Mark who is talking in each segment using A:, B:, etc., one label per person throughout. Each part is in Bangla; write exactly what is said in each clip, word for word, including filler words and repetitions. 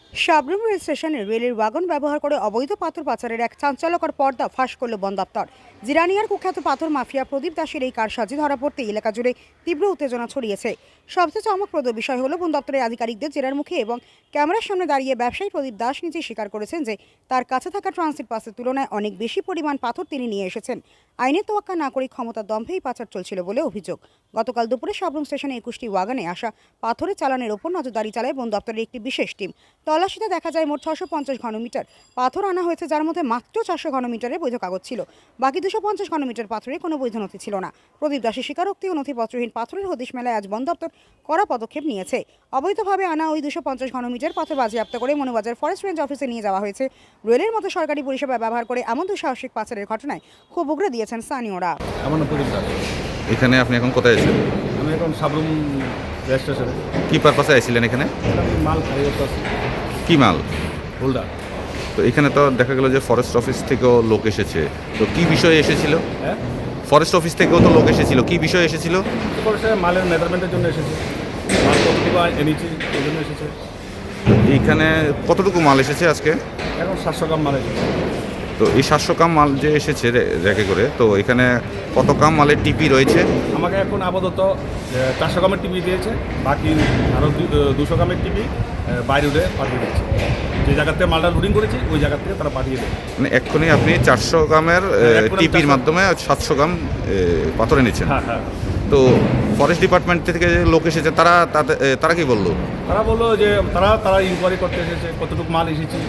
A: সাবরুম রেল স্টেশনে রেলের ওয়াগন ব্যবহার করে অবৈধ পাথর পাচারের এক চাঞ্চল্যকর পর্দা ফাঁস করল বন দপ্তর। জিরানিয়ার কুখ্যাত পাথর মাফিয়া প্রদীপ দাসের এই কারসাজি ধরা পড়তে এলাকা জুড়ে তীব্র উত্তেজনা ছড়িয়েছে। সবচেয়ে চমকপ্রদ বিষয় হলো বন দপ্তরের আধিকারিকদের জেরার মুখে এবং ক্যামেরার সামনে দাঁড়িয়ে ব্যবসায়ী প্রদীপ দাস নিজে স্বীকার করেছেন যে তার কাছে থাকা ট্রানজিট পাসের তুলনায় অনেক বেশি পরিমাণ পাথর তিনি নিয়ে এসেছেন। আইনের তোয়াক্কা না করে ক্ষমতার দম্ভেই পাচার চলছিল বলে অভিযোগ। গতকাল দুপুরে সাবরুম স্টেশনে একুশটি ওয়াগনে আসা পাথরের চালানের ওপর নজরদারি চালায় বন দপ্তরের একটি বিশেষ টিম। তল্লাশিতে দেখা যায় মোট ছশো পঞ্চাশ ঘনমিটার পাথর আনা হয়েছে, যার মধ্যে মাত্র চারশো ঘনমিটারের বৈধ কাগজ ছিল। বাকি দুশো পঞ্চাশ ঘনমিটার পাথরে কোনো বৈধ নথি ছিল না। প্রদীপ দাসের স্বীকারোক্তি ও নথিপত্রহীন পাথরের হদিশ মেলায় আজ বন দপ্তর কড়া পদক্ষেপ নিয়েছে। অবৈধভাবে আনা ওই দুশো পঞ্চাশ ঘনমিটার পাথর বাজেয়াপ্ত করে মনোবাজার ফরেস্ট রেঞ্জ অফিসে নিয়ে যাওয়া হয়েছে। রেলের মতো সরকারি পরিষেবা ব্যবহার করে এমন দুঃসাহসিক পাচারের ঘটনায় খুব উগরে দিয়েছেন স্থানীয়রা।
B: আমার নাম প্রদীপ দাস।
C: এখানে আপনি এখন কোথায় আছেন?
B: আমি এখন সাবরুম রেল স্টেশনে।
C: কি পারপাসে আইছিলেন এখানে?
B: আমি মাল খাই করতে আছি।
C: কি মাল?
B: হোল্ডার।
C: তো এখানে তো দেখা গেল যে ফরেস্ট অফিস থেকেও লোক এসেছে, তো কি বিষয়ে এসেছিল?
B: হ্যাঁ,
C: ফরেস্ট অফিস থেকেও তো লোক এসেছিল, কি বিষয়ে এসেছিল?
B: ফরেস্টে মালের মেজারমেন্টের জন্য এসেছে, মাল কতটুকু এনেছি এই জন্য এসেছে।
C: এইখানে কতটুকু মাল এসেছে আজকে?
B: এখন সাতশো গ্রাম মাল এসেছে।
C: তো এই সাতশো কাম মাল যে এসেছে রে- রেখে করে, তো এখানে কত কাম মালের টিপি রয়েছে?
B: আমাকে এখন আপাতত চারশো গ্রামের টিভি দিয়েছে, বাকি আরও দুশো গ্রামের টিভি বাইরে উঠে পাঠিয়ে দিচ্ছে। যে জায়গার থেকে মালটা লোডিং করেছি ওই জায়গার থেকে তারা পাঠিয়ে দেয়।
C: মানে এক্ষুনি আপনি চারশো গ্রামের
B: এক্ষুনি
C: টিপির
B: চারশো
C: মাধ্যমে সাতশো গ্রাম এ, পাথর এনেছেন।
B: হ্যাঁ হ্যাঁ।
C: তো ফরেস্ট ডিপার্টমেন্ট থেকে যে লোক এসেছে তারা তাতে- এ, তারা কি বললো?
B: তারা বললো যে তারা তারা ইনকোয়ারি করতে এসেছে, কতটুকু মাল এসেছে,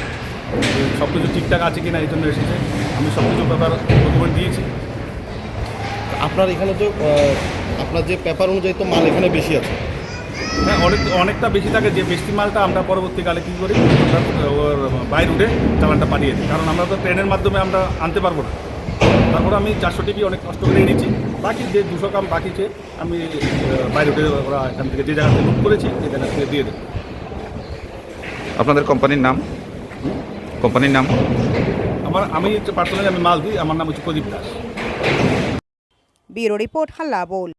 B: সব কিছু ঠিকঠাক আছে কিনা এই জন্য এসেছে। আমি সব কিছু ব্যাপার ডকুমেন্ট দিয়েছি।
D: আপনার এখানে তো আহ, আপনার যে পেপার অনুযায়ী তো মাল এখানে বেশি আছে।
B: হ্যাঁ, অনেক অনেকটা বেশি থাকে। যে বেশি মালটা আমরা পরবর্তীকালে কী করি, আমরা ওর বাইরে উঠে চালানটা পাঠিয়ে দিই, কারণ আমরা তো ট্রেনের মাধ্যমে আমরা আনতে পারবো না। তারপরে আমি চারশো টিপি অনেক কষ্ট করে এনেছি, বাকি যে দুশো কাম বাকিছে আমি আহ, বাইরে উঠে ওরা এখান থেকে যে জায়গা থেকে লুট করেছি সেই জায়গা থেকে দিয়ে দেবো।
C: আপনাদের কোম্পানির নাম? কোম্পানির নাম?
B: আমার আমি পার্সোনালি আমি মাল দিই, আমার নাম হচ্ছে প্রদীপ দাস।
A: ব্যুরো রিপোর্ট, হাল্লা বোল।